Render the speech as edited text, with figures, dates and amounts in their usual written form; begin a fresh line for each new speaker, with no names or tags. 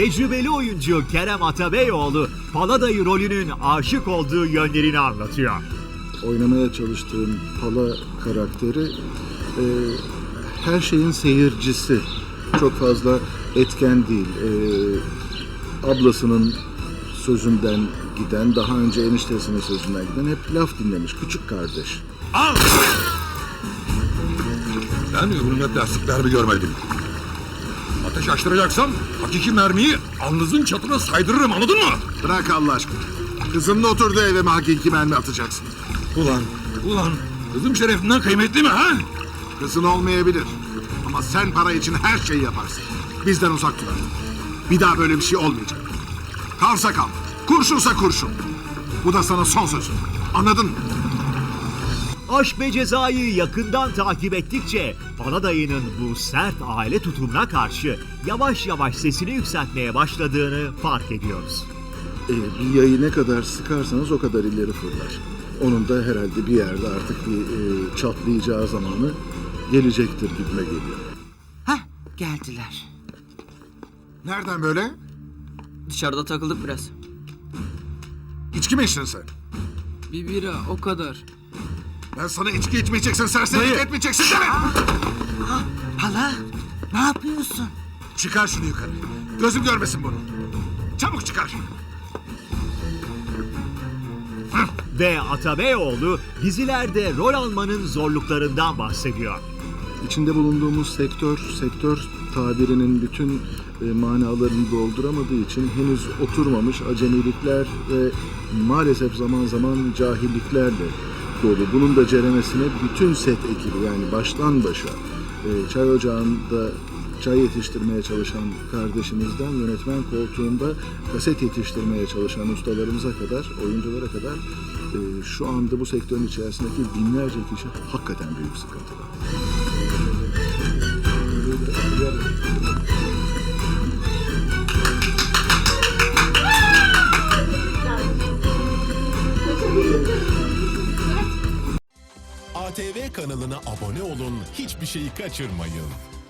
tecrübeli oyuncu Kerem Atabeyoğlu, Paladayı rolünün aşık olduğu yönlerini anlatıyor.
Oynamaya çalıştığım Pala karakteri her şeyin seyircisi. Çok fazla etken değil. Ablasının sözünden giden, daha önce eniştesinin sözünden giden, hep laf dinlemiş. Küçük kardeş.
Al! Ben ömrümde plastik mermi görmedim. Ateş açtıracaksam hakiki mermiyi alnınızın çatına saydırırım, anladın mı?
Bırak Allah aşkına. Kızımla oturduğu eve mi hakiki mermi atacaksın?
Ulan kızım şerefinden kıymetli mi ha?
Kızın olmayabilir. Ama sen para için her şeyi yaparsın. Bizden uzak dur. Bir daha böyle bir şey olmayacak. Kalsa kal. Kurşunsa kurşun. Bu da sana son sözüm. Anladın mı?
Aşk ve Ceza'yı yakından takip ettikçe Paladayı'nın bu sert aile tutumuna karşı yavaş yavaş sesini yükseltmeye başladığını fark ediyoruz.
Bir yayı ne kadar sıkarsanız o kadar ileri fırlar. Onun da herhalde bir yerde artık bir çatlayacağı zamanı gelecektir gibime geliyor.
Hah, geldiler.
Nereden böyle?
Dışarıda takıldık biraz.
İçki mi içtin sen?
Bir bira o kadar.
Ben sana içki içmeyeceksin, serserilik etmeyeceksin demedim.
Hala, ne yapıyorsun?
Çıkar şunu yukarı. Gözüm görmesin bunu. Çabuk çıkar.
Ve Atabeyoğlu dizilerde rol almanın zorluklarından bahsediyor.
İçinde bulunduğumuz sektör tabirinin bütün manalarını dolduramadığı için henüz oturmamış acemilikler ve maalesef zaman zaman cahilliklerle dolu. Bunun da ceremesine bütün set ekibi, yani baştan başa çay ocağında çay yetiştirmeye çalışan kardeşimizden yönetmen koltuğunda kaset yetiştirmeye çalışan ustalarımıza kadar, oyunculara kadar şu anda bu sektörün içerisindeki binlerce kişi hakikaten büyük sıkıntıda.
ATV kanalına abone olun, hiçbir şeyi kaçırmayın.